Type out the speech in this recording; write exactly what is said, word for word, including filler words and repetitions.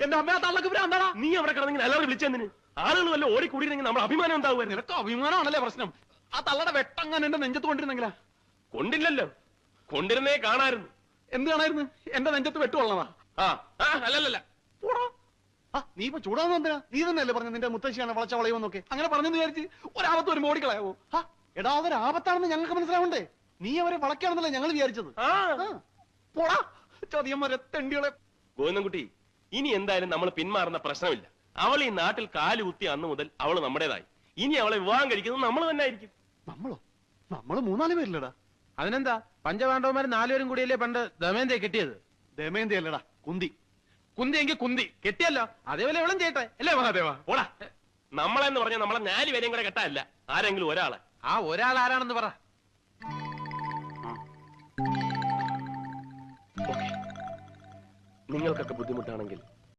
എന്റെ അമ്മ ആ തള്ളക്ക് ഭ്രാന്താടാ. നീ അവിടെ കിടന്നെങ്കിൽ എല്ലാവരും വിളിച്ചെന്തിന്? ആളുകൾ വല്ല ഓടിക്കൂടിയിരുന്നെങ്കിൽ നമ്മൾ അഭിമാനം ഉണ്ടാവുമായിരുന്നു. നിനക്ക് അഭിമാനമാണല്ലേ പ്രശ്നം? ആ തള്ളയുടെ വെട്ടങ്ങാൻ എന്റെ നെഞ്ചത്ത് കൊണ്ടിരുന്നെങ്കിലാ. കൊണ്ടില്ലല്ലോ, കൊണ്ടിരുന്നേ കാണായിരുന്നു. എന്ത് കാണായിരുന്നു? എന്റെ നെഞ്ചത്ത് വെട്ടുകൊള്ളണതാ. ആ അല്ലല്ല, നീ ഇപ്പൊ ചൂടാവുന്ന എന്തിനാ? നീ തന്നെയല്ലേ പറഞ്ഞു നിന്റെ മുത്തശ്ശിയാണ് വളച്ച വളയുമെന്നൊക്കെ. അങ്ങനെ പറഞ്ഞെന്ന് വിചാരിച്ച് ഒരാപത്ത് ഒരു മോടിക്കളയാവോ? എടാ അതൊരു ആപത്താണെന്ന് ഞങ്ങൾക്ക് മനസ്സിലാവണ്ടേ? നീ അവരെ വളയ്ക്കാണെന്നല്ലേ ഞങ്ങൾ വിചാരിച്ചത്. പോടാ ചതിയന്മാരെ തെണ്ടികളെ. ഗോവിന്ദൻകുട്ടി, ഇനി എന്തായാലും നമ്മൾ പിന്മാറുന്ന പ്രശ്നമില്ല. അവൾ ഈ നാട്ടിൽ കാല് കുത്തി അന്ന് മുതൽ അവള് നമ്മുടേതായി. ഇനി അവളെ വിവാഹം കഴിക്കുന്നത് നമ്മൾ തന്നെ ആയിരിക്കും. നമ്മളോ? നമ്മള് മൂന്നാല് പേരില്ലടാ. അതിനെന്താ, പഞ്ചപാണ്ഡവന്മാർ നാലുപേരും കൂടിയല്ലേ പണ്ട് ദമയന്തിയെ കെട്ടിയത്? ദമയന്തി അല്ലടാ, കുന്തി. കുന്തി എങ്കിൽ കുന്തി കെട്ടിയല്ലോ, അതേപോലെ ഇവളും ചെയ്യട്ടെ അല്ലേ മഹാദേവ? ഓടാ, നമ്മളെന്ന് പറഞ്ഞാൽ നമ്മളെ നാല് പേരെയും കൂടെ കെട്ടല്ല, ആരെങ്കിലും ഒരാളെ. ആ ഒരാൾ ആരാണെന്ന് പറ. നിങ്ങൾക്കൊക്കെ ബുദ്ധിമുട്ടാണെങ്കിൽ